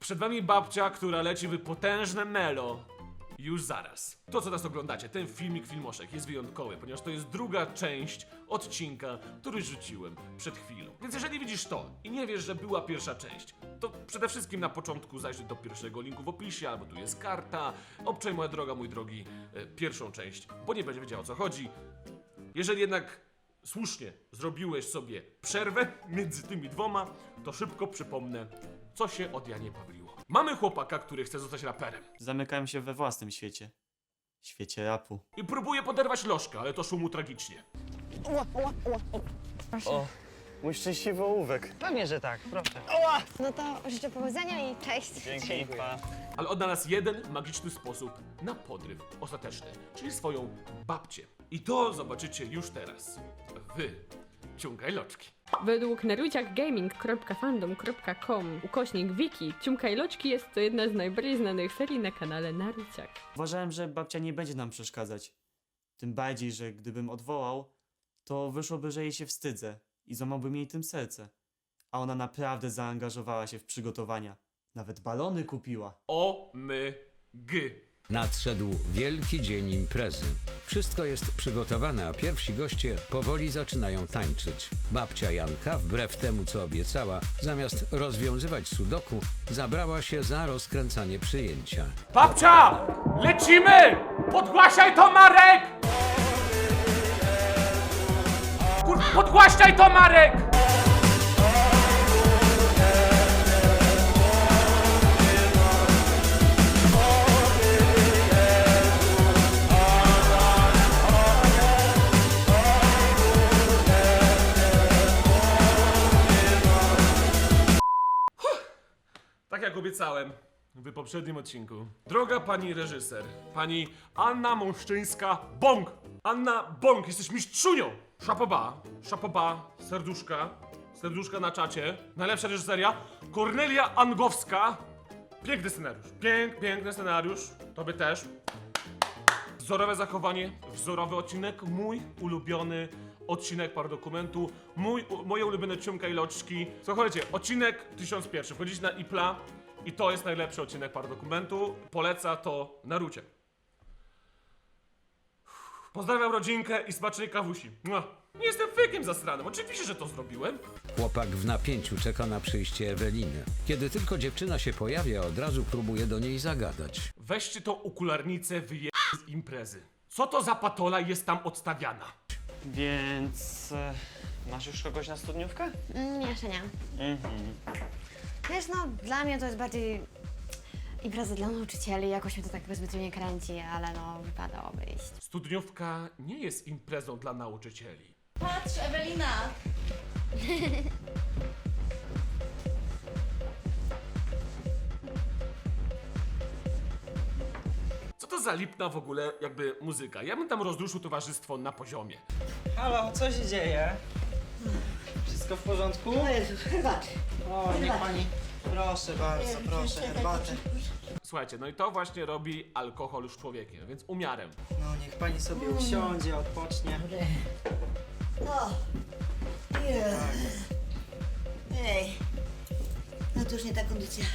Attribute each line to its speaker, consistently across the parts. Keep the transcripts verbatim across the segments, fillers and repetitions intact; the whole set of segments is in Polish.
Speaker 1: Przed wami babcia, która leci w potężne melo. Już zaraz. To, co teraz oglądacie, ten filmik filmoszek jest wyjątkowy, ponieważ to jest druga część odcinka, który rzuciłem przed chwilą. Więc jeżeli widzisz to i nie wiesz, że była pierwsza część, to przede wszystkim na początku zajrzyj do pierwszego linku w opisie, albo tu jest karta. Obczaj, moja droga, mój drogi, e, pierwszą część, bo nie będzie wiedział, o co chodzi. Jeżeli jednak słusznie zrobiłeś sobie przerwę między tymi dwoma, to szybko przypomnę, co się od Janie Pawliło. Mamy chłopaka, który chce zostać raperem.
Speaker 2: Zamykałem się we własnym świecie. Świecie rapu.
Speaker 1: I próbuje poderwać lożkę, ale to szumu tragicznie.
Speaker 2: O, mój szczęśliwy ołówek.
Speaker 3: Pewnie, że tak, proszę.
Speaker 4: No to życzę powodzenia i cześć.
Speaker 2: Dzięki, pa.
Speaker 1: Ale odnalazł jeden magiczny sposób na podryw ostateczny, czyli swoją babcię. I to zobaczycie już teraz. Wy, ciągaj loczki.
Speaker 5: Według naruciakgaming kropka fandom kropka com ukośnik wiki, Ciumka i Loczki jest to jedna z najbardziej znanych serii na kanale Naruciak.
Speaker 2: Uważałem, że babcia nie będzie nam przeszkadzać. Tym bardziej, że gdybym odwołał, to wyszłoby, że jej się wstydzę i złamałbym jej tym serce. A ona naprawdę zaangażowała się w przygotowania. Nawet balony kupiła.
Speaker 1: O my gy.
Speaker 6: Nadszedł wielki dzień imprezy. Wszystko jest przygotowane, a pierwsi goście powoli zaczynają tańczyć. Babcia Janka, wbrew temu co obiecała, zamiast rozwiązywać sudoku, zabrała się za rozkręcanie przyjęcia.
Speaker 1: Babcia! Lecimy! Podgłaśaj to, Marek! Kur... Podgłaśaj to, Marek! Tak jak obiecałem w poprzednim odcinku. Droga pani reżyser, pani Anna Mąszczyńska-Bąk! Anna Bąk, jesteś mistrzunią! Szapoba, szapoba, serduszka, serduszka na czacie. Najlepsza reżyseria. Kornelia Angowska. Piękny scenariusz, pięk, piękny scenariusz. Tobie też. Wzorowe zachowanie, wzorowy odcinek, mój ulubiony odcinek Paradokumentu, mój, u, moje ulubione Ciumka i Loczki. Słuchajcie, odcinek tysiąc jeden, wchodzicie na Ipla i to jest najlepszy odcinek Paradokumentu. Poleca to Narucie. Pozdrawiam rodzinkę i smacznej kawusi. Mua. Nie jestem fejkiem zasranym, oczywiście, że to zrobiłem.
Speaker 6: Chłopak w napięciu czeka na przyjście Eweliny. Kiedy tylko dziewczyna się pojawia, od razu próbuje do niej zagadać.
Speaker 1: Weźcie tą okularnicę, wyje z imprezy. Co to za patola jest tam odstawiana?
Speaker 2: Więc... E, masz już kogoś na studniówkę?
Speaker 4: Mm, jeszcze nie.
Speaker 2: Mhm.
Speaker 4: Wiesz, no dla mnie to jest bardziej impreza dla nauczycieli, jakoś mnie to tak zbytnio nie kręci, ale no wypadałoby iść.
Speaker 1: Studniówka nie jest imprezą dla nauczycieli.
Speaker 7: Patrz, Ewelina!
Speaker 1: Co to za lipna w ogóle jakby muzyka? Ja bym tam rozruszył towarzystwo na poziomie.
Speaker 3: Halo, co się dzieje? Wszystko w porządku?
Speaker 8: O Jezus, herbaty.
Speaker 3: O, niech pani... Proszę bardzo, proszę, herbatę.
Speaker 1: Słuchajcie, no i to właśnie robi alkohol z człowiekiem, więc umiarem.
Speaker 3: No, niech pani sobie usiądzie, odpocznie.
Speaker 8: O, Jezu. Ej, no to już nie ta kondycja.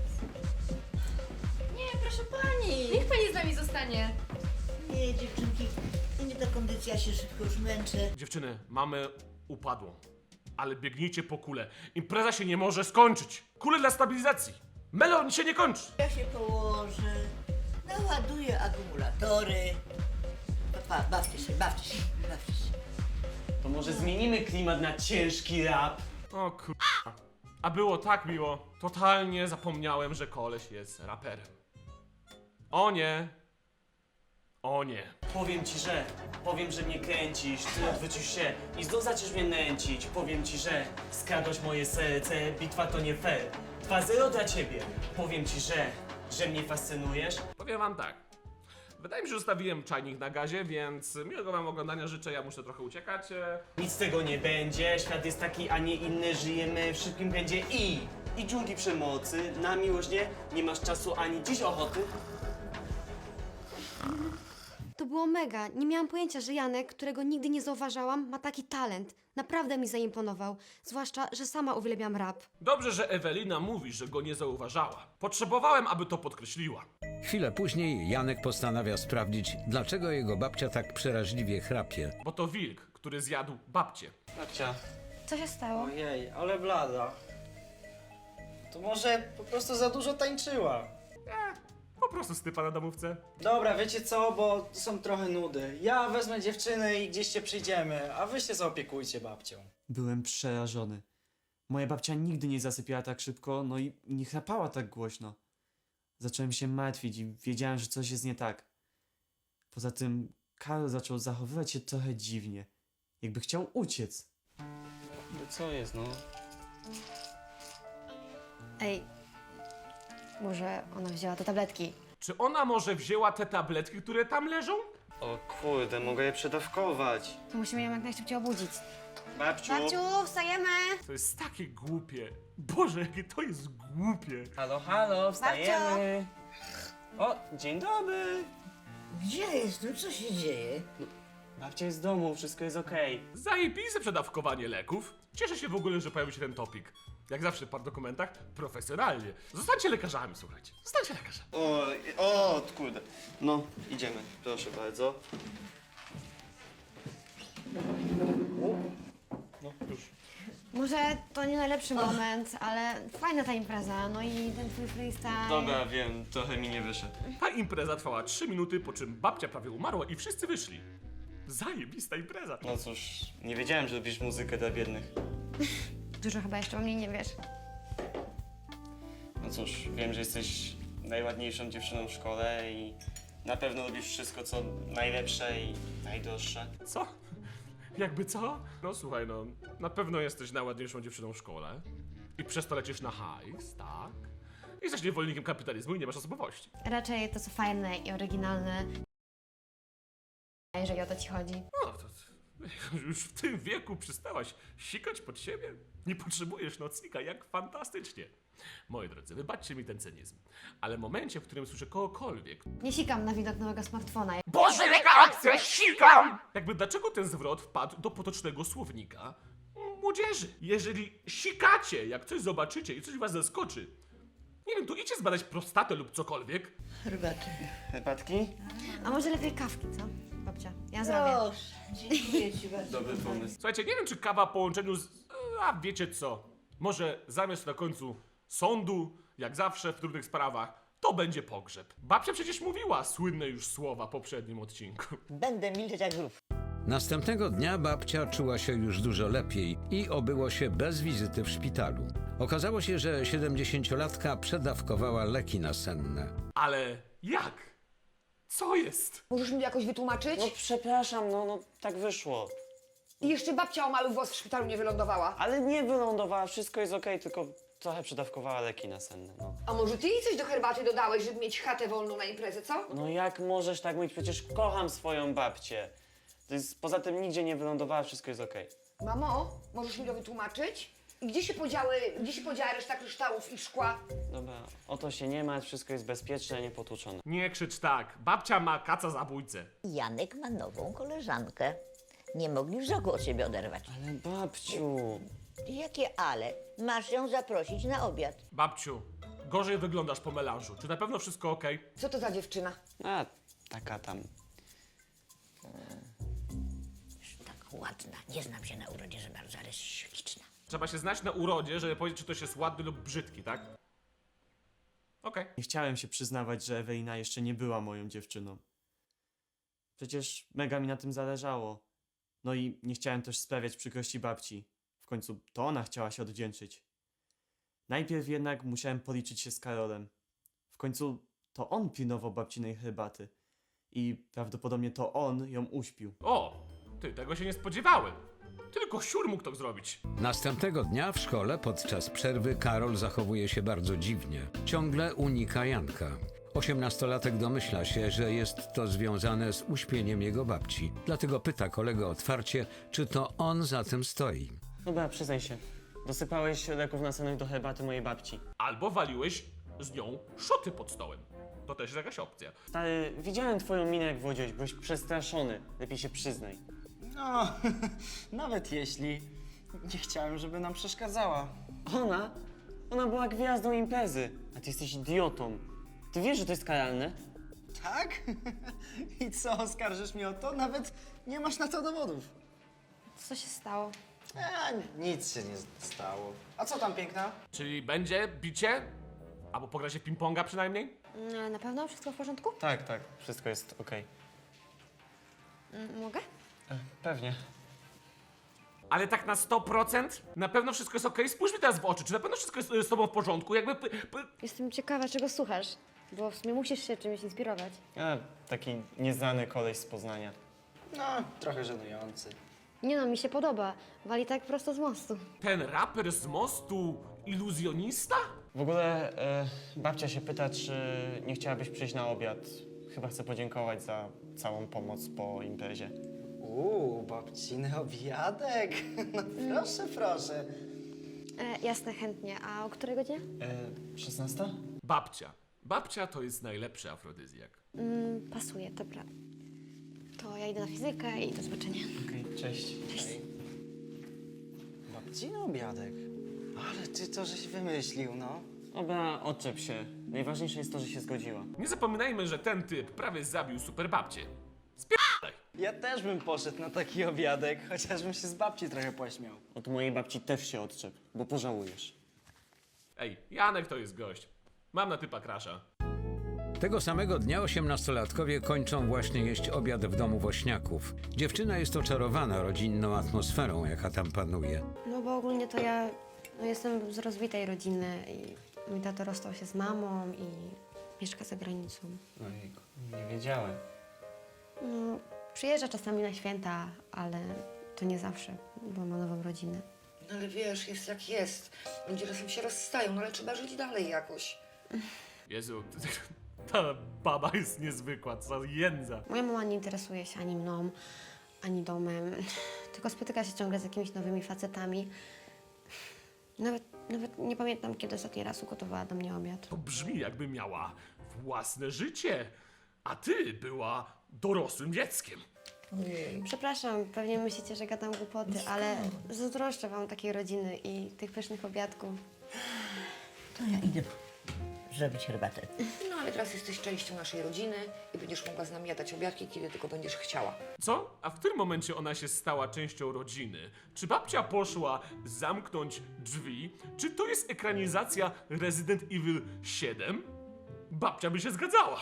Speaker 7: Nie, proszę pani! Niech pani z nami zostanie.
Speaker 8: Nie, dziewczynki, to nie ta kondycja, ja się szybko już męczę.
Speaker 1: Dziewczyny, mamy upadłą, ale biegnijcie po kulę. Impreza się nie może skończyć. Kule dla stabilizacji. Melon się nie kończy.
Speaker 8: Ja się położę, naładuję akumulatory. Pa, bawcie się, bawcie się, bawcie się.
Speaker 2: To może zmienimy klimat na ciężki rap?
Speaker 1: O kurwa. A było tak miło. Totalnie zapomniałem, że koleś jest raperem. O nie. O nie.
Speaker 2: Powiem ci, że... Powiem, że mnie kręcisz, ty odwrócisz się i znów zaczniesz mnie nęcić. Powiem ci, że skradłeś moje serce, bitwa to nie fair. dwa zero dla ciebie. Powiem ci, że... że mnie fascynujesz.
Speaker 1: Powiem wam tak. Wydaje mi się, że zostawiłem czajnik na gazie, więc miłego wam oglądania życzę. Ja muszę trochę uciekać. e.
Speaker 2: Nic z tego nie będzie, świat jest taki, a nie inny, żyjemy w szybkim pędzie i... i dżungli przemocy, na miłość nie, nie masz czasu ani dziś ochoty.
Speaker 4: To było mega. Nie miałam pojęcia, że Janek, którego nigdy nie zauważałam, ma taki talent. Naprawdę mi zaimponował. Zwłaszcza, że sama uwielbiam rap.
Speaker 1: Dobrze, że Ewelina mówi, że go nie zauważała. Potrzebowałem, aby to podkreśliła.
Speaker 6: Chwilę później Janek postanawia sprawdzić, dlaczego jego babcia tak przeraźliwie chrapie.
Speaker 1: Bo to wilk, który zjadł babcię.
Speaker 3: Babcia.
Speaker 4: Co się stało?
Speaker 3: Ojej, ale blada. To może po prostu za dużo tańczyła.
Speaker 1: Po prostu stypa na domówce.
Speaker 3: Dobra, wiecie co, bo są trochę nudy. Ja wezmę dziewczynę i gdzieś się przyjdziemy, a wy się zaopiekujcie babcią.
Speaker 2: Byłem przerażony. Moja babcia nigdy nie zasypiała tak szybko, no i nie chrapała tak głośno. Zacząłem się martwić i wiedziałem, że coś jest nie tak. Poza tym Karol zaczął zachowywać się trochę dziwnie. Jakby chciał uciec.
Speaker 9: No co jest, no?
Speaker 4: Ej, może ona wzięła te tabletki?
Speaker 1: Czy ona może wzięła te tabletki, które tam leżą?
Speaker 9: O kurde, mogę je przedawkować.
Speaker 4: To musimy ją jak najszybciej obudzić.
Speaker 3: Babciu!
Speaker 4: Babciu, wstajemy!
Speaker 1: To jest takie głupie. Boże, jakie to jest głupie.
Speaker 3: Halo, halo, wstajemy! O, dzień dobry!
Speaker 8: Gdzie jest? No co się dzieje?
Speaker 3: Babcia jest w domu, wszystko jest okej.
Speaker 1: Zajebiste przedawkowanie leków. Cieszę się w ogóle, że pojawił się ten topik. Jak zawsze w par dokumentach, profesjonalnie. Zostańcie lekarzami, słuchajcie. Zostańcie lekarzami.
Speaker 9: O, o, kurde. No, idziemy, proszę bardzo. No, już.
Speaker 4: Może to nie najlepszy moment, ale fajna ta impreza. No i ten twój freestyle.
Speaker 9: Dobra, wiem, trochę mi nie wyszedł.
Speaker 1: Ta impreza trwała trzy minuty, po czym babcia prawie umarła i wszyscy wyszli. Zajebista impreza.
Speaker 9: No cóż, nie wiedziałem, że robisz muzykę dla biednych.
Speaker 4: Dużo chyba jeszcze o mnie nie wiesz.
Speaker 9: No cóż, wiem, że jesteś najładniejszą dziewczyną w szkole i na pewno robisz wszystko, co najlepsze i najdroższe.
Speaker 1: Co? Jakby co? No słuchaj, no, na pewno jesteś najładniejszą dziewczyną w szkole. I przez to lecisz na hajs, tak? Jesteś niewolnikiem kapitalizmu i nie masz osobowości.
Speaker 4: Raczej to, co fajne i oryginalne. Jeżeli o to ci chodzi.
Speaker 1: No to już w tym wieku przestałaś sikać pod siebie? Nie potrzebujesz nocnika, jak fantastycznie. Moi drodzy, wybaczcie mi ten cynizm, ale w momencie, w którym słyszę kogokolwiek,
Speaker 4: Nie sikam na widok nowego smartfona.
Speaker 1: Boże, jaka akcja, sikam! Jakby dlaczego ten zwrot wpadł do potocznego słownika młodzieży? Jeżeli sikacie, jak coś zobaczycie i coś was zaskoczy, nie wiem, to idźcie zbadać prostatę lub cokolwiek.
Speaker 8: Herbaty.
Speaker 9: Herbatki?
Speaker 4: A może lepiej kawki, co? Babcia, ja zrobię.
Speaker 8: Proszę, dziękuję ci bardzo.
Speaker 9: Dobry pomysł.
Speaker 1: Słuchajcie, nie wiem, czy kawa w połączeniu z... A wiecie co? Może zamiast na końcu sądu, jak zawsze w trudnych sprawach, to będzie pogrzeb. Babcia przecież mówiła słynne już słowa w poprzednim odcinku.
Speaker 8: Będę milczeć jak grób.
Speaker 6: Następnego dnia babcia czuła się już dużo lepiej i obyło się bez wizyty w szpitalu. Okazało się, że siedemdziesięciolatka przedawkowała leki nasenne.
Speaker 1: Ale jak? Co jest?
Speaker 10: Możesz mi jakoś wytłumaczyć?
Speaker 3: No przepraszam, no, no tak wyszło.
Speaker 10: I jeszcze babcia o mały włos w szpitalu nie wylądowała.
Speaker 3: Ale nie wylądowała, wszystko jest okej, tylko trochę przedawkowała leki nasenne, no.
Speaker 10: A może ty jej coś do herbaty dodałeś, żeby mieć chatę wolną na imprezę, co?
Speaker 3: No jak możesz tak mówić? Przecież kocham swoją babcię. To jest, poza tym nigdzie nie wylądowała, wszystko jest okej.
Speaker 10: Mamo, możesz mi to wytłumaczyć? I gdzie się podziały, gdzie się podziała reszta kryształów i szkła?
Speaker 3: Dobra, o to się nie martw, wszystko jest bezpieczne, niepotłuczone.
Speaker 1: Nie krzycz tak. Babcia ma kaca zabójcę.
Speaker 8: Janek ma nową koleżankę. Nie mogli wzroku od siebie oderwać.
Speaker 3: Ale babciu...
Speaker 8: Jakie ale? Masz ją zaprosić na obiad.
Speaker 1: Babciu, gorzej wyglądasz po melanżu. Czy na pewno wszystko okej?
Speaker 10: Co to za dziewczyna?
Speaker 3: A, taka tam...
Speaker 8: Tak ładna. Nie znam się na urodzie za bardzo, ale śliczna.
Speaker 1: Trzeba się znać na urodzie, żeby powiedzieć, czy ktoś jest ładny lub brzydki, tak? Okej.
Speaker 2: Nie chciałem się przyznawać, że Ewelina jeszcze nie była moją dziewczyną. Przecież mega mi na tym zależało. No i nie chciałem też sprawiać przykrości babci. W końcu to ona chciała się odwdzięczyć. Najpierw jednak musiałem policzyć się z Karolem. W końcu to on pilnował babcinej herbaty. I prawdopodobnie to on ją uśpił.
Speaker 1: O, ty, tego się nie spodziewałem. Tylko siur mógł to zrobić.
Speaker 6: Następnego dnia w szkole podczas przerwy Karol zachowuje się bardzo dziwnie. Ciągle unika Janka. Osiemnastolatek domyśla się, że jest to związane z uśpieniem jego babci. Dlatego pyta kolegę otwarcie, czy to on za tym stoi.
Speaker 3: Dobra, przyznaj się. Dosypałeś leków nasennych do herbaty mojej babci.
Speaker 1: Albo waliłeś z nią szoty pod stołem. to też jest jakaś opcja.
Speaker 2: Stary, widziałem twoją minę, jak wodziłeś, byłeś przestraszony. Lepiej się przyznaj.
Speaker 3: No, nawet jeśli nie chciałem, żeby nam przeszkadzała.
Speaker 2: Ona? Ona była gwiazdą imprezy, a ty jesteś idiotą. Ty wiesz, że to jest karalne?
Speaker 3: Tak? I co, oskarżysz mnie o to? Nawet nie masz na to dowodów.
Speaker 4: Co się stało?
Speaker 3: A, nic się nie stało. A co tam, piękna?
Speaker 1: Czyli będzie bicie? Albo pogra się w ping-ponga przynajmniej?
Speaker 4: Mm, Na pewno wszystko w porządku?
Speaker 2: Tak, tak, wszystko jest okej.
Speaker 4: Mm, Mogę?
Speaker 2: Pewnie.
Speaker 1: Ale tak na sto procent? Na pewno wszystko jest okej? Spójrz mi teraz w oczy, czy na pewno wszystko jest y, z tobą w porządku? Jakby... p- p-
Speaker 4: Jestem ciekawa, czego słuchasz, bo w sumie musisz się czymś inspirować.
Speaker 2: A, taki nieznany koleś z Poznania.
Speaker 3: No, trochę żenujący.
Speaker 4: Nie no, mi się podoba. Wali tak prosto z mostu.
Speaker 1: Ten raper z mostu iluzjonista?
Speaker 2: W ogóle e, babcia się pyta, czy nie chciałabyś przyjść na obiad. Chyba chcę podziękować za całą pomoc po imprezie.
Speaker 3: Uuu, babciny obiadek. No proszę, proszę.
Speaker 4: E, jasne, chętnie. A o której godzinie?
Speaker 2: E, szesnasta?
Speaker 1: Babcia. Babcia to jest najlepszy afrodyzjak.
Speaker 4: Mm, pasuje, dobra. To ja idę na fizykę i do zobaczenia.
Speaker 2: Okej, cześć.
Speaker 4: Cześć.
Speaker 3: Babciny obiadek? Ale ty to żeś wymyślił, no.
Speaker 2: Dobra, odczep się. Najważniejsze jest to, że się zgodziła.
Speaker 1: Nie zapominajmy, że ten typ prawie zabił super babcię. Spierdaj!
Speaker 3: Ja też bym poszedł na taki obiadek, chociażbym się z babci trochę pośmiał.
Speaker 2: Od mojej babci też się odczep, bo pożałujesz.
Speaker 1: Ej, Janek to jest gość. Mam na typa krasza.
Speaker 6: Tego samego dnia osiemnastolatkowie kończą właśnie jeść obiad w domu Wośniaków. Dziewczyna jest oczarowana rodzinną atmosferą, jaka tam panuje.
Speaker 4: No bo ogólnie to ja no, jestem z rozbitej rodziny i mój tato rozstał się z mamą i mieszka za granicą.
Speaker 2: Ojejku, nie wiedziałem.
Speaker 4: No, przyjeżdża czasami na święta, ale to nie zawsze, bo ma nową rodzinę.
Speaker 10: No ale wiesz, jest jak jest. Ludzie czasem się rozstają, no ale trzeba żyć dalej jakoś.
Speaker 1: Jezu, ta baba jest niezwykła, co jędza.
Speaker 4: Moja mama nie interesuje się ani mną, ani domem, tylko spotyka się ciągle z jakimiś nowymi facetami. Nawet, nawet nie pamiętam, kiedy ostatni raz ugotowała do mnie obiad.
Speaker 1: To brzmi, jakby miała własne życie, a ty była dorosłym dzieckiem.
Speaker 4: Przepraszam, pewnie myślicie, że gadam głupoty, ale zazdroszczę wam takiej rodziny i tych pysznych obiadków.
Speaker 8: To ja idę zrobić herbatę.
Speaker 10: No ale teraz jesteś częścią naszej rodziny i będziesz mogła z nami jadać obiadki, kiedy tylko będziesz chciała.
Speaker 1: Co? A w którym momencie ona się stała częścią rodziny? Czy babcia poszła zamknąć drzwi? Czy to jest ekranizacja Resident Evil siedem? Babcia by się zgadzała.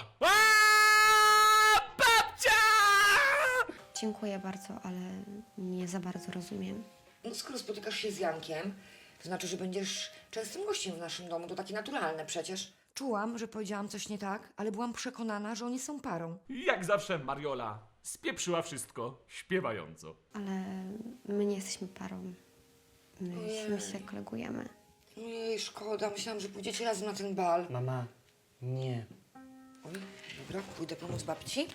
Speaker 1: Aaaa! Babcia!
Speaker 4: Dziękuję bardzo, ale nie za bardzo rozumiem.
Speaker 10: No skoro spotykasz się z Jankiem, to znaczy, że będziesz częstym gościem w naszym domu. To takie naturalne przecież. Czułam, że powiedziałam coś nie tak, ale byłam przekonana, że oni są parą.
Speaker 1: Jak zawsze Mariola spieprzyła wszystko śpiewająco.
Speaker 4: Ale my nie jesteśmy parą. My
Speaker 10: Ojej.
Speaker 4: się kolegujemy.
Speaker 10: Ojej, szkoda. Myślałam, że pójdziecie razem na ten bal.
Speaker 2: Mama, nie.
Speaker 10: Oj, dobra, pójdę pomóc babci.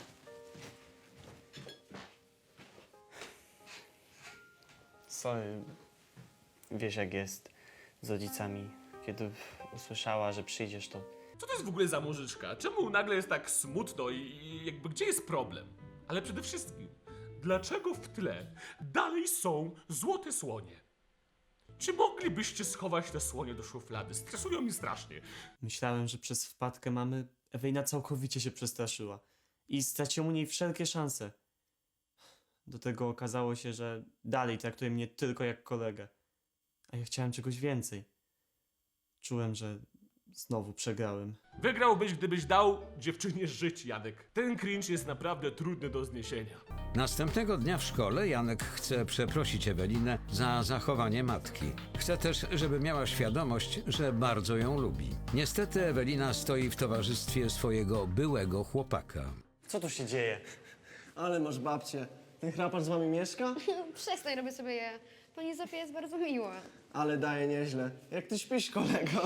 Speaker 2: Sorry, wiesz jak jest z rodzicami. Kiedy usłyszała, że przyjdziesz, to
Speaker 1: Co to jest w ogóle za muzyczka? Czemu nagle jest tak smutno i, i jakby gdzie jest problem? Ale przede wszystkim, dlaczego w tle dalej są złote słonie? Czy moglibyście schować te słonie do szuflady? Stresują mi strasznie.
Speaker 2: myślałem, że przez wpadkę mamy Ewelina całkowicie się przestraszyła i straciłem u niej wszelkie szanse. Do tego okazało się, że dalej traktuje mnie tylko jak kolegę. A ja chciałem czegoś więcej. Czułem, że znowu przegrałem.
Speaker 1: Wygrałbyś, gdybyś dał dziewczynie żyć, Janek. Ten cringe jest naprawdę trudny do zniesienia.
Speaker 6: Następnego dnia w szkole Janek chce przeprosić Ewelinę za zachowanie matki. Chce też, żeby miała świadomość, że bardzo ją lubi. Niestety Ewelina stoi w towarzystwie swojego byłego chłopaka.
Speaker 2: Co tu się dzieje?
Speaker 11: Ale masz babcię. Ten chrapacz z wami mieszka?
Speaker 4: Przestań, robię sobie je. Pani Zofia jest bardzo miła.
Speaker 11: Ale daje nieźle. Jak ty śpisz, kolego?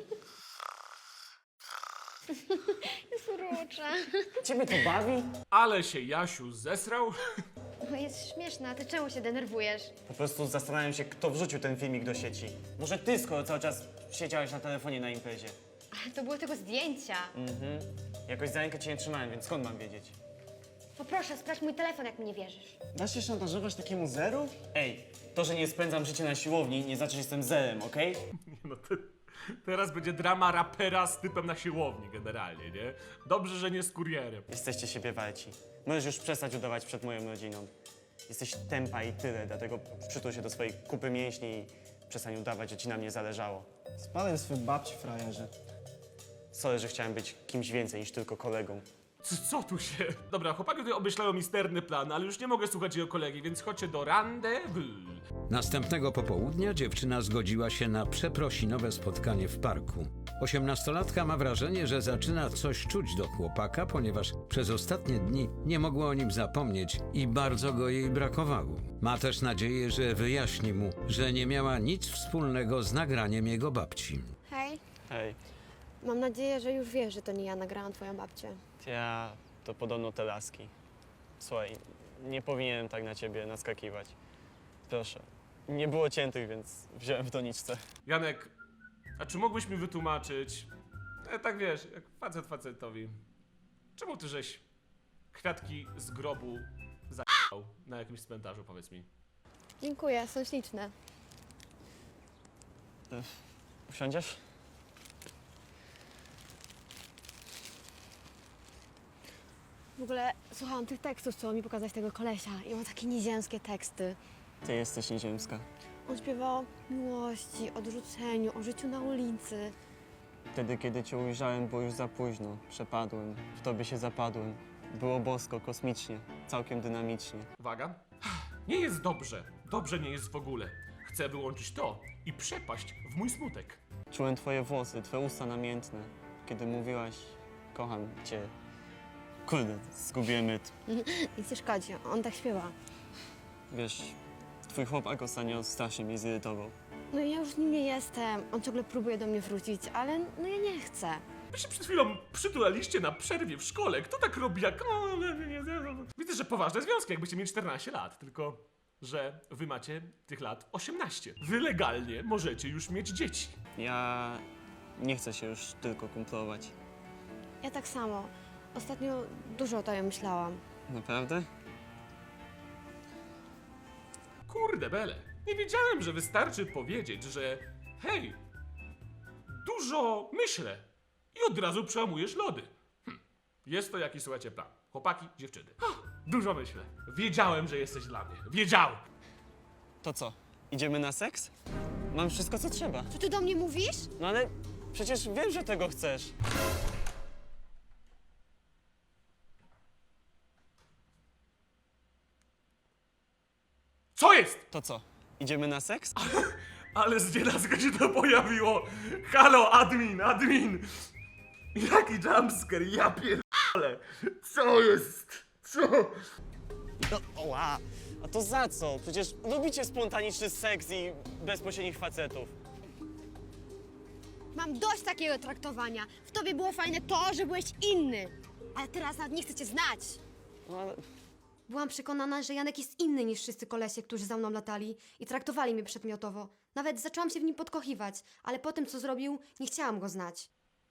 Speaker 4: Jest urocza.
Speaker 2: Ciebie to bawi?
Speaker 1: Ale się Jasiu zesrał.
Speaker 4: No jest śmieszna, a ty czemu się denerwujesz?
Speaker 2: Po prostu zastanawiam się, kto wrzucił ten filmik do sieci. Może ty, skoro cały czas siedziałeś na telefonie na imprezie.
Speaker 4: Ale to były tylko zdjęcia.
Speaker 2: Mhm.
Speaker 9: Jakoś za rękę cię nie trzymałem, więc skąd mam wiedzieć?
Speaker 4: Poproszę, sprawdź mój telefon, jak mi nie wierzysz.
Speaker 11: Dasz się szantażować takiemu zeru?
Speaker 9: Ej, to, że nie spędzam życia na siłowni, nie znaczy, że jestem zerem, okej?
Speaker 1: No te, teraz będzie drama rapera z typem na siłowni generalnie, nie? Dobrze, że nie z kurierem.
Speaker 9: Jesteście siebie warci. Możesz już przestać udawać przed moją rodziną. Jesteś tępa i tyle, dlatego przytul się do swojej kupy mięśni i przestań udawać, że ci na mnie zależało.
Speaker 11: Spadaj swój babci, frajerze.
Speaker 9: Sorry, że chciałem być kimś więcej niż tylko kolegą.
Speaker 1: Co, co tu się... Dobra, chłopaki tutaj obmyślają misterny plan, ale już nie mogę słuchać jego kolegi, więc chodźcie do rendezvous.
Speaker 6: Następnego popołudnia dziewczyna zgodziła się na przeprosinowe spotkanie w parku. Osiemnastolatka ma wrażenie, że zaczyna coś czuć do chłopaka, ponieważ przez ostatnie dni nie mogła o nim zapomnieć i bardzo go jej brakowało. Ma też nadzieję, że wyjaśni mu, że nie miała nic wspólnego z nagraniem jego babci.
Speaker 4: Hej,
Speaker 9: Hej,
Speaker 4: mam nadzieję, że już wiesz, że to nie ja nagrałam twoją babcię.
Speaker 9: ja to podobno te laski. Słuchaj, nie powinienem tak na ciebie naskakiwać. Proszę. Nie było ciętych, więc wziąłem w doniczce.
Speaker 1: Janek, a czy mógłbyś mi wytłumaczyć, e, tak wiesz, jak facet facetowi, czemu ty żeś kwiatki z grobu za***ał na jakimś cmentarzu, powiedz mi?
Speaker 4: Dziękuję, są śliczne.
Speaker 9: Usiądziesz?
Speaker 4: W ogóle słuchałam tych tekstów, co mi pokazać tego kolesia i ma takie nieziemskie teksty.
Speaker 9: Ty jesteś nieziemska.
Speaker 4: On śpiewał o miłości, odrzuceniu, o życiu na ulicy.
Speaker 9: Wtedy, kiedy cię ujrzałem, było już za późno. Przepadłem, w tobie się zapadłem. Było bosko, kosmicznie, całkiem dynamicznie.
Speaker 1: Uwaga. Nie jest dobrze. Dobrze nie jest w ogóle. Chcę wyłączyć to i przepaść w mój smutek.
Speaker 9: Czułem twoje włosy, twoje usta namiętne. Kiedy mówiłaś, kocham cię. Kurde, zgubiłem rytm.
Speaker 4: Nic nie szkodzi, on tak śpiewa.
Speaker 9: Wiesz, twój chłopak ostatnio strasznie mnie zirytował.
Speaker 4: No i ja już nim nie jestem, on ciągle próbuje do mnie wrócić, ale no ja nie chcę.
Speaker 1: Wy się przed chwilą przytulaliście na przerwie w szkole. Kto tak robi jak... Widzę, że poważne związki, jakbyście mieli czternaście lat, tylko że wy macie tych lat osiemnaście. Wy legalnie możecie już mieć dzieci.
Speaker 9: Ja nie chcę się już tylko kumplować.
Speaker 4: Ja tak samo. Ostatnio dużo o tobie myślałam.
Speaker 9: Naprawdę?
Speaker 1: Kurde bele, nie wiedziałem, że wystarczy powiedzieć, że hej, dużo myślę i od razu przełamujesz lody. Hm. Jest to jakiś, słuchajcie, plan. Chłopaki, dziewczyny. Ha, dużo myślę. Wiedziałem, że jesteś dla mnie. Wiedziałem.
Speaker 9: To co? Idziemy na seks? Mam wszystko, co trzeba.
Speaker 4: Co ty do mnie mówisz?
Speaker 9: No ale przecież wiem, że tego chcesz.
Speaker 1: Co jest?
Speaker 9: To co? Idziemy na seks?
Speaker 1: Ale z nienacka się to pojawiło. Halo, admin, admin. Jaki jumpscare, ja pierdolę. Co jest? Co?
Speaker 9: No, oła! A to za co? Przecież lubicie spontaniczny seks i bezpośrednich facetów.
Speaker 4: Mam dość takiego traktowania. W tobie było fajne to, że byłeś inny. Ale teraz nawet nie chcę cię znać.
Speaker 9: No ale...
Speaker 4: Byłam przekonana, że Janek jest inny niż wszyscy kolesie, którzy za mną latali i traktowali mnie przedmiotowo. Nawet zaczęłam się w nim podkochiwać, ale po tym, co zrobił, nie chciałam go znać.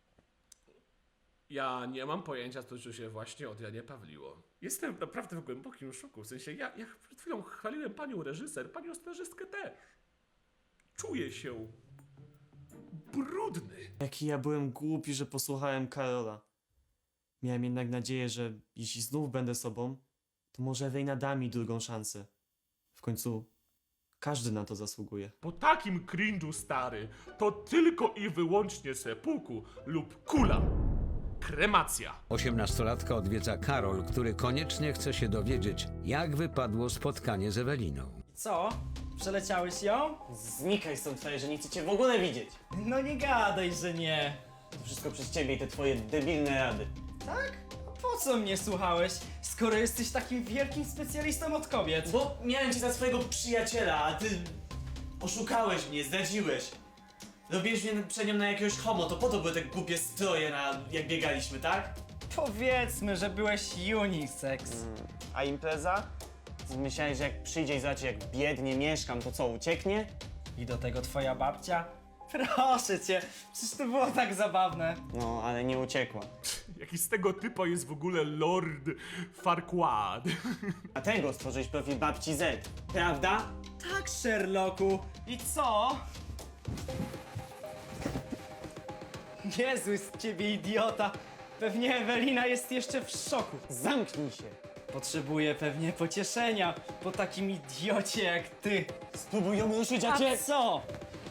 Speaker 1: Ja nie mam pojęcia, co się właśnie od Janie Pawliło. Jestem naprawdę w głębokim szoku. W sensie, ja, ja przed chwilą chwaliłem panią reżyser, panią scenarzystkę też. Czuję się brudny.
Speaker 2: Jaki ja byłem głupi, że posłuchałem Karola. Miałem jednak nadzieję, że jeśli znów będę sobą, to może Ewelina da mi drugą szansę. W końcu każdy na to zasługuje.
Speaker 1: Po takim cringe'u, stary, to tylko i wyłącznie sepuku lub kula. Kremacja.
Speaker 6: Osiemnastolatka odwiedza Karol, który koniecznie chce się dowiedzieć, jak wypadło spotkanie z Eweliną.
Speaker 3: Co? Przeleciałeś ją?
Speaker 9: Znikaj stąd, że nie chcę cię w ogóle widzieć.
Speaker 3: No nie gadaj, że nie.
Speaker 9: To wszystko przez ciebie i te twoje debilne rady.
Speaker 3: Tak? A po co mnie słuchałeś, skoro jesteś takim wielkim specjalistą od kobiet?
Speaker 12: Bo miałem cię za swojego przyjaciela, a ty oszukałeś mnie, zdradziłeś. Robiłeś mnie przed nią na jakiegoś homo, to po to były te głupie stroje, na, jak biegaliśmy, tak?
Speaker 3: Powiedzmy, że byłeś unisex.
Speaker 9: Mm. A impreza? Myślałeś, że jak przyjdzie i zobaczy, jak biednie mieszkam, to co, ucieknie?
Speaker 3: I do tego twoja babcia? Proszę cię, przecież to było tak zabawne.
Speaker 9: No, ale nie uciekła.
Speaker 1: Jak Jaki z tego typa jest w ogóle Lord Farquaad.
Speaker 12: A tego stworzyłeś profil babci Z, prawda?
Speaker 3: Tak, Sherlocku. I co? Jezu, z ciebie idiota. Pewnie Ewelina jest jeszcze w szoku.
Speaker 12: Zamknij się.
Speaker 3: Potrzebuje pewnie pocieszenia po takim idiocie jak ty.
Speaker 12: Spróbuj ją ruszyć, a
Speaker 3: A
Speaker 12: cię...
Speaker 3: co?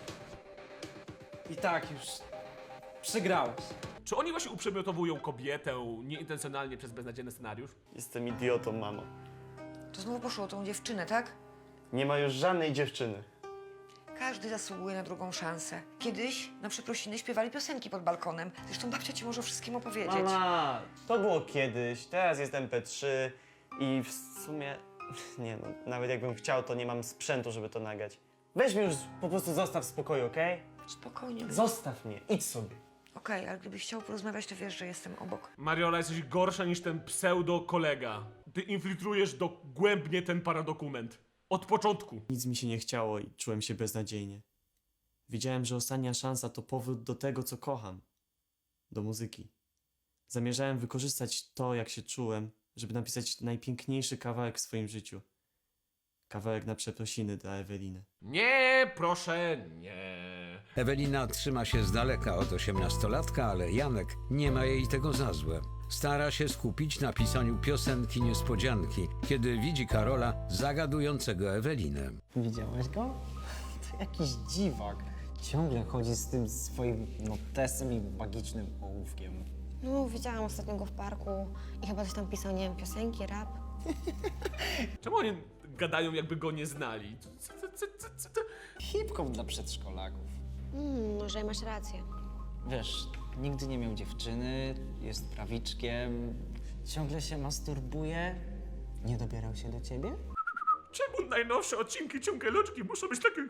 Speaker 3: I tak już przegrałeś.
Speaker 1: Czy oni właśnie uprzedmiotowują kobietę nieintencjonalnie przez beznadziejny scenariusz?
Speaker 9: Jestem idiotą, mamo.
Speaker 10: To znowu poszło o tą dziewczynę, tak?
Speaker 9: Nie ma już żadnej dziewczyny.
Speaker 10: Każdy zasługuje na drugą szansę. Kiedyś na przeprosiny śpiewali piosenki pod balkonem. Zresztą babcia ci może o wszystkim opowiedzieć.
Speaker 9: Mama, to było kiedyś, teraz jest M P trzy i w sumie, nie no, nawet jakbym chciał, to nie mam sprzętu, żeby to nagrać. Weź mnie już, po prostu zostaw w spokoju, okej?
Speaker 10: Spokojnie.
Speaker 9: Zostaw mnie, idź sobie.
Speaker 10: Okej, ale gdybyś chciał porozmawiać, to wiesz, że jestem obok.
Speaker 1: Mariola, jesteś gorsza niż ten pseudo-kolega. Ty infiltrujesz dogłębnie ten paradokument. Od początku.
Speaker 2: Nic mi się nie chciało i czułem się beznadziejnie. Wiedziałem, że ostatnia szansa to powrót do tego, co kocham. Do muzyki. Zamierzałem wykorzystać to, jak się czułem, żeby napisać najpiękniejszy kawałek w swoim życiu. Kawałek na przeprosiny dla Eweliny.
Speaker 1: Nie, proszę, nie.
Speaker 6: Ewelina trzyma się z daleka od osiemnastolatka, ale Janek nie ma jej tego za złe. Stara się skupić na pisaniu piosenki niespodzianki, kiedy widzi Karola zagadującego Ewelinę.
Speaker 3: Widziałeś go? To jakiś dziwak. Ciągle chodzi z tym swoim notesem i magicznym ołówkiem.
Speaker 4: No, widziałam ostatnio go w parku i chyba coś tam pisał, nie wiem, piosenki, rap.
Speaker 1: Czemu oni gadają, jakby go nie znali? Co, co, co, co, co, co?
Speaker 3: Hip-hop dla przedszkolaków.
Speaker 4: Hmm, może masz rację.
Speaker 3: Wiesz, nigdy nie miał dziewczyny, jest prawiczkiem, ciągle się masturbuje. Nie dobierał się do ciebie?
Speaker 1: Czemu najnowsze odcinki Ciumkaj Loczki muszą być takie...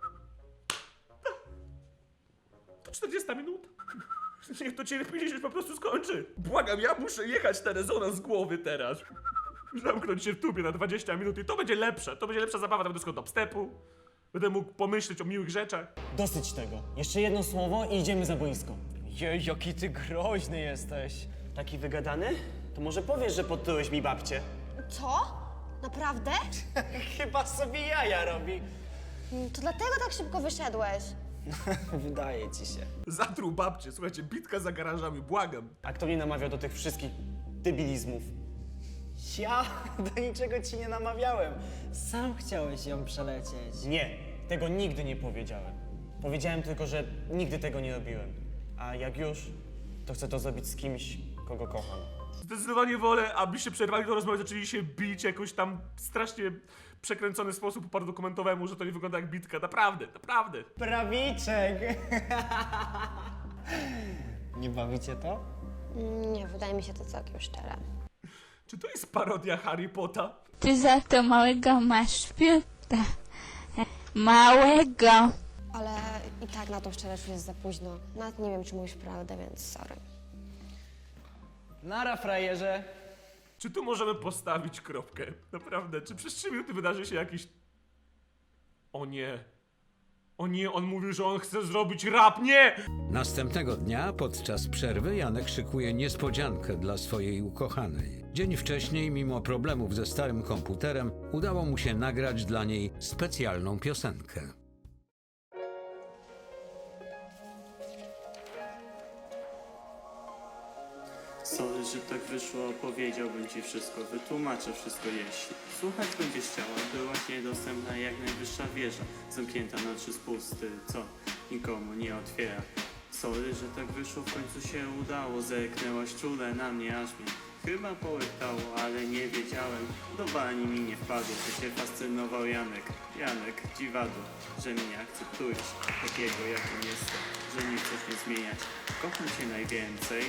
Speaker 1: To czterdzieści minut. Niech to cierpienie się po prostu skończy. Błagam, ja muszę jechać na rezonans głowy teraz. Zamknąć się w tubie na dwadzieścia minut i to będzie lepsze. To będzie lepsza zabawa, tam będę do dubstepu. Będę mógł pomyśleć o miłych rzeczach.
Speaker 12: Dosyć tego. Jeszcze jedno słowo i idziemy za boisko.
Speaker 3: Jej, jaki ty groźny jesteś.
Speaker 12: Taki wygadany? To może powiesz, że podtyłeś mi babcię?
Speaker 4: Co? Naprawdę?
Speaker 3: Chyba sobie jaja robi.
Speaker 4: Mm, To dlatego tak szybko wyszedłeś.
Speaker 3: Wydaje ci się.
Speaker 1: Zatruł babcię, słuchajcie, bitka za garażami, błagam.
Speaker 12: A kto mnie namawiał do tych wszystkich debilizmów?
Speaker 3: Ja do niczego ci nie namawiałem. Sam chciałeś ją przelecieć.
Speaker 12: Nie, tego nigdy nie powiedziałem. Powiedziałem tylko, że nigdy tego nie robiłem. A jak już, to chcę to zrobić z kimś, kogo kocham.
Speaker 1: Zdecydowanie wolę, abyście przerwali tę rozmowę, zaczęli się bić jakoś tam strasznie przekręcony sposób paradokumentowemu, że to nie wygląda jak bitka. Naprawdę, naprawdę.
Speaker 3: Prawiczek! Nie bawicie to?
Speaker 4: Mm, Nie, wydaje mi się to całkiem szczere.
Speaker 1: Czy to jest parodia Harry Potta?
Speaker 7: Ty za to małego masz piuta. Małego.
Speaker 4: Ale i tak na tą szczerość już jest za późno. Nawet nie wiem, czy mówisz prawdę, więc sorry.
Speaker 3: Nara, frajerze.
Speaker 1: Czy tu możemy postawić kropkę? Naprawdę, czy przez trzy minuty wydarzy się jakiś... O nie. O nie, on mówił, że on chce zrobić rap, nie!
Speaker 6: Następnego dnia, podczas przerwy, Janek szykuje niespodziankę dla swojej ukochanej. Dzień wcześniej, mimo problemów ze starym komputerem, udało mu się nagrać dla niej specjalną piosenkę.
Speaker 9: Sorry, że tak wyszło, powiedziałbym ci wszystko, wytłumaczę wszystko jeśli słuchać będziesz chciała, byłaś niedostępna jak najwyższa wieża, zamknięta na trzy spusty, co nikomu nie otwiera. Sorry, że tak wyszło, w końcu się udało, zerknęłaś czule na mnie, aż mnie chyba połyktało, ale nie wiedziałem, do bani mi nie wpadło, że się fascynował Janek, Janek, dziwadło, że mnie akceptujesz, takiego jakim jestem, że nie chcesz mnie zmieniać, kocham cię najwięcej.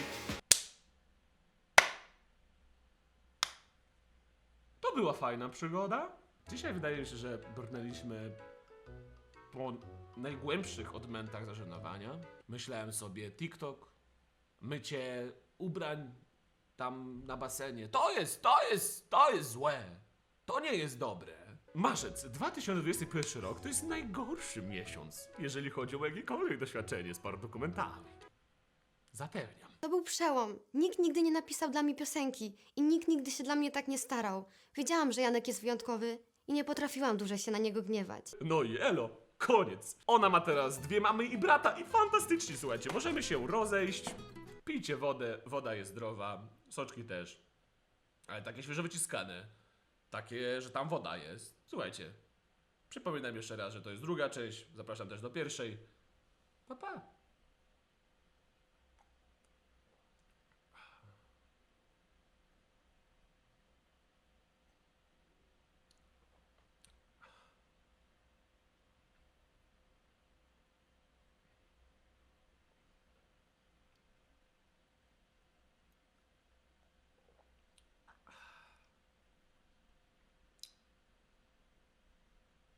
Speaker 1: To była fajna przygoda. Dzisiaj wydaje mi się, że brnęliśmy po najgłębszych odmętach zażenowania. Myślałem sobie TikTok, mycie ubrań tam na basenie. To jest, to jest, to jest złe. To nie jest dobre. Marzec dwa tysiące dwudziesty pierwszy rok to jest najgorszy miesiąc, jeżeli chodzi o jakiekolwiek doświadczenie z paradokumentami. Zapewniam.
Speaker 4: To był przełom. Nikt nigdy nie napisał dla mnie piosenki i nikt nigdy się dla mnie tak nie starał. Wiedziałam, że Janek jest wyjątkowy i nie potrafiłam dłużej się na niego gniewać.
Speaker 1: No i elo, koniec. Ona ma teraz dwie mamy i brata i fantastycznie, słuchajcie, możemy się rozejść. Pijcie wodę, woda jest zdrowa, soczki też. Ale takie świeżo wyciskane. Takie, że tam woda jest. Słuchajcie, przypominam jeszcze raz, że to jest druga część. Zapraszam też do pierwszej. Pa, pa.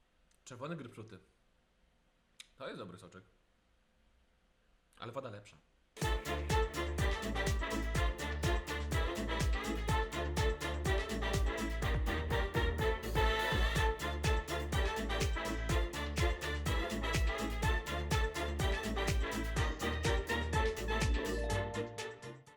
Speaker 1: Czerwony grypfruty. To jest dobry soczek. Ale woda lepsza.